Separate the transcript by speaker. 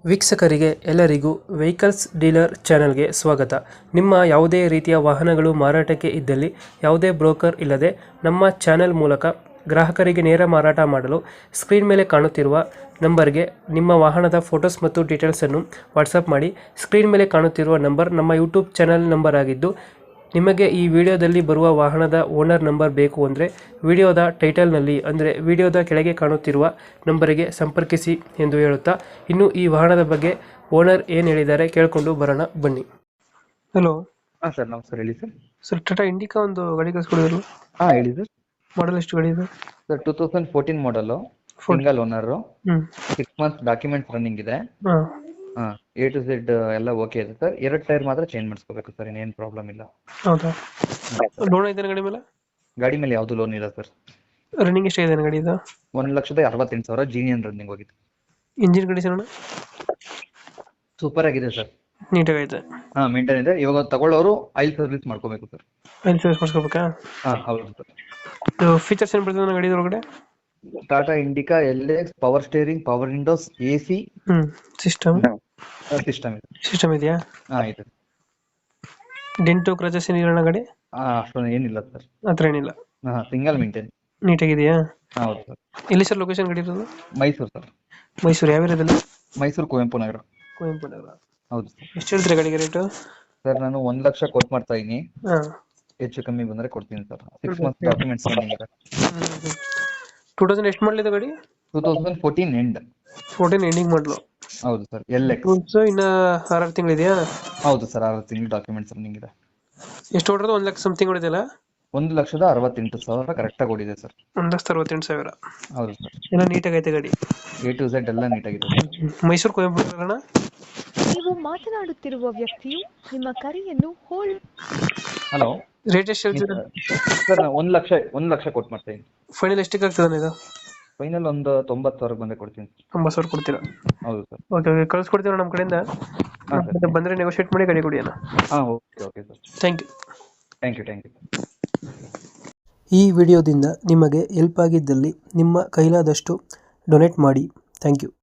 Speaker 1: ವೀಕ್ಷಕರಿಗೆ ಎಲ್ಲರಿಗೂ vehicles dealer ಚಾನೆಲ್ಗೆ ಸ್ವಾಗತ. ನಿಮ್ಮ ಯಾವುದೇ ರೀತಿಯ ವಾಹನಗಳು ಮಾರಾಟಕ್ಕೆ ಇದ್ದಲ್ಲಿ ಯಾವುದೇ ಬ್ರೋಕರ್ ಇಲ್ಲದೆ ನಮ್ಮ ಚಾನೆಲ್ ಮೂಲಕ ಗ್ರಾಹಕರಿಗೆ ನೇರ ಮಾರಾಟ ಮಾಡಲು ಸ್ಕ್ರೀನ್ ಮೇಲೆ ಕಾಣುತ್ತಿರುವ ನಂಬರ್ಗೆ ನಿಮ್ಮ ವಾಹನದ ಫೋಟೋಸ್ ಮತ್ತು ಡೀಟೇಲ್ಸನ್ನು ವಾಟ್ಸಪ್ ಮಾಡಿ. ಸ್ಕ್ರೀನ್ ಮೇಲೆ ಕಾಣುತ್ತಿರುವ ನಂಬರ್ ನಮ್ಮ ಯೂಟ್ಯೂಬ್ ಚಾನೆಲ್ ನಂಬರ್ ಆಗಿದ್ದು, ನಿಮಗೆ ಈ ವಿಡಿಯೋದಲ್ಲಿ ಬರುವ ವಾಹನದ ಓನರ್ ನಂಬರ್ ಬೇಕು ಅಂದರೆ ವಿಡಿಯೋದ ಟೈಟಲ್ನಲ್ಲಿ ಅಂದರೆ ವಿಡಿಯೋದ ಕೆಳಗೆ ಕಾಣುತ್ತಿರುವ ನಂಬರಿಗೆ ಸಂಪರ್ಕಿಸಿ ಎಂದು ಹೇಳುತ್ತಾ, ಇನ್ನು ಈ ವಾಹನದ ಬಗ್ಗೆ ಓನರ್ ಏನು ಹೇಳಿದ್ದಾರೆ ಕೇಳಿಕೊಂಡು ಬರೋಣ ಬನ್ನಿ. ಹಲೋ
Speaker 2: ಹಾಂ ಸರ್, ನಮಸ್ಕಾರ. ಹೇಳಿ ಸರ್.
Speaker 1: ಸರ್, ಟಾಟಾ ಇಂಡಿಕಾ ಒಂದು ಗಾಡಿ ಕಳಿಸ್ಕೊಡಿದ್ರು.
Speaker 2: ಹಾಂ, ಹೇಳಿ ಸರ್.
Speaker 1: ಮಾಡಲ್ ಎಷ್ಟು ಗಾಡಿ ಇದೆ
Speaker 2: ಸರ್ 2014 ಮಾಡಲು, single owner, 6 months documents running ಇದೆ.
Speaker 1: ಹಾಂ,
Speaker 2: ಹಾಂ, A to Z ಎಲ್ಲ ಓಕೆ ಇದೆ ಸರ್. 2 ಟೈರ್ ಮಾತ್ರ ಚೇಂಜ್ ಮಾಡಿಸ್ಕೋಬೇಕು ಸರ್, ಇನ್ನೇನು ಪ್ರಾಬ್ಲಮ್ ಇಲ್ಲ.
Speaker 1: ಹೌದಾ? ಲೋನ್ ಐತೆ ಗಾಡಿ ಮೇಲೆ?
Speaker 2: ಗಾಡಿ ಮೇಲೆ ಯಾವುದು ಲೋನ್ ಇಲ್ಲ ಸರ್.
Speaker 1: ರನ್ನಿಂಗ್ ಎಷ್ಟಾಗಿದೆ ಗಾಡಿ ಇದು?
Speaker 2: 1,68,000 ಜೀನಿಯನ್ ರನ್ನಿಂಗ್ ಹೋಗಿದೆ.
Speaker 1: ಇಂಜಿನ್ ಕಂಡೀಷನ್
Speaker 2: ಸೂಪರ್ ಆಗಿದೆ ಸರ್.
Speaker 1: ನೀಟಾಗೈತೆ?
Speaker 2: ಹಾಂ, ಮೇಂಟೈನ್ ಇದೆ. ಇವಾಗ ತಗೊಳ್ಳೋರು ಆಯಿಲ್ ಸರ್ವಿಸ್ ಮಾಡ್ಕೋಬೇಕು ಸರ್.
Speaker 1: ಆಯಿಲ್ ಸರ್ವಿಸ್ ಮಾಡಿಸ್ಕೋಬೇಕಾ?
Speaker 2: ಹಾಂ, ಹೌದು ಸರ್.
Speaker 1: ಇದು ಫೀಚರ್ಸ್ ಏನು ಬರ್ತದೆ ಗಾಡಿ ಒಳಗಡೆ?
Speaker 2: Tata Indica LX, power steering, power windows, AC
Speaker 1: system
Speaker 2: system ಇದೆ.
Speaker 1: ಸಿಸ್ಟಮ್ ಇದೆಯಾ?
Speaker 2: ಹಾಂ, ಇದೆ.
Speaker 1: ಡೆಂಟು ಕ್ರಚಸ್ ಏನಿಲ್ಲ ಗಾಡಿ?
Speaker 2: ಹಾಂ, ಅಷ್ಟೊಂದು ಏನಿಲ್ಲ ಸರ್.
Speaker 1: ಆ ಥರ ಏನಿಲ್ಲ?
Speaker 2: ಹಾಂ, ಸಿಂಗಲ್ ಮೇಂಟೈನ್.
Speaker 1: ನೀಟಾಗಿದೆಯಾ?
Speaker 2: ಹೌದು ಸರ್.
Speaker 1: ಎಲ್ಲಿ ಸರ್ ಲೊಕೇಶನ್ ಗಾಡಿ ಇರೋದು?
Speaker 2: ಮೈಸೂರು ಸರ್.
Speaker 1: ಮೈಸೂರು ಯಾವ ಏರಿಯಾದಲ್ಲಿ?
Speaker 2: ಮೈಸೂರು ಕುವೆಂಪು ನಗರ.
Speaker 1: ಕುವೆಂಪು ನಗರ.
Speaker 2: ಹೌದು ಸರ್.
Speaker 1: ಎಷ್ಟು ಹೇಳ್ತೀರಾ ಗಾಡಿಗೆ ರೇಟು?
Speaker 2: ಸರ್, ನಾನು 1 ಲಕ್ಷ ಕೊಟ್ಟು ಮಾಡ್ತಾ ಇದೀನಿ.
Speaker 1: ಹಾಂ,
Speaker 2: ಹೆಚ್ಚು ಕಮ್ಮಿ ಬಂದ್ರೆ ಕೊಡ್ತೀನಿ ಸರ್. 6 ಮಂತ್ಸ್ ಡಾಕ್ಯುಮೆಂಟ್ಸ್ ರನ್ನಿಂಗ್ ಇದೆ.
Speaker 1: 2000 ಎಷ್ಟು ಮಾಡಲಿದೆ ಗಾಡಿ?
Speaker 2: 2014 ಎಂಡ್.
Speaker 1: 14 ಎಂಡಿಂಗ್ ಮಾಡಲು.
Speaker 2: ಹೌದು ಸರ್. LX.
Speaker 1: ಇನ್ನ 6 ತಿಂಗಳಿದೆಯಾ?
Speaker 2: ಹೌದು ಸರ್, 6 ತಿಂಗಳು ಡಾಕ್ಯುಮೆಂಟ್ಸ್ ರನ್ನಿಂಗ್ ಇದೆ.
Speaker 1: ಎಷ್ಟು ಹೊಡೆದು 1 ಲಕ್ಷ ಸಮಥಿಂಗ್ ಹೊಡೆದಿಲ್ಲ?
Speaker 2: 1,68,000 ಕರೆಕ್ಟಾಗಿ ಓಡಿದೆ ಸರ್.
Speaker 1: 1,68,000.
Speaker 2: ಹೌದು ಸರ್.
Speaker 1: ಎಲ್ಲ ನೀಟಾಗೈತೆ ಗಾಡಿ?
Speaker 2: A to Z ಎಲ್ಲ ನೀಟಾಗಿದೆ ಸರ್.
Speaker 1: ಮೈಸೂರು ಕುವೆಂಪು ನಗರನ?
Speaker 3: ನೀವು ಮಾತನಾಡುತ್ತಿರುವ ವ್ಯಕ್ತಿಯು ನಿಮ್ಮ ಕರೆಯನ್ನು ಹೋಲ್ಡ್.
Speaker 2: ಹಲೋ,
Speaker 1: ರೇಟ್ ಎಷ್ಟು ಹೇಳ್ತೀರಾ
Speaker 2: ಸರ್? ನಾನು 1 ಲಕ್ಷ ಕೊಟ್ಟು ಮಾಡ್ತಾ ಇದೀನಿ.
Speaker 1: ಫೈನಲ್ ಎಷ್ಟಕ್ಕೆ ಆಗ್ತದೆ ಇದು?
Speaker 2: ಫೈನಲ್ ಒಂದು 90,000 ಬಂದ್ರೆ ಕೊಡ್ತೀನಿ.
Speaker 1: 90,000 ಕೊಡ್ತೀರಾ?
Speaker 2: ಹೌದು ಸರ್.
Speaker 1: ಓಕೆ ಓಕೆ, ಕಳ್ಸ್ಕೊಡ್ತೀವಿ ನಮ್ಮ ಕಡೆಯಿಂದ.
Speaker 2: ಹಾಂ ಸರ್.
Speaker 1: ಬಂದರೆ ನೆಗೋಷಿಯೇಟ್ ಮಾಡಿ ಗಾಡಿ ಕೊಡಿ ಅಣ್ಣ.
Speaker 2: ಹಾಂ, okay okay sir.
Speaker 1: Thank you.
Speaker 2: Thank you.
Speaker 1: ಈ ವಿಡಿಯೋದಿಂದ ನಿಮಗೆ ಹೆಲ್ಪ್ ಆಗಿದ್ದಲ್ಲಿ ನಿಮ್ಮ ಕೈಲಾದಷ್ಟು ಡೊನೇಟ್ ಮಾಡಿ. Thank you.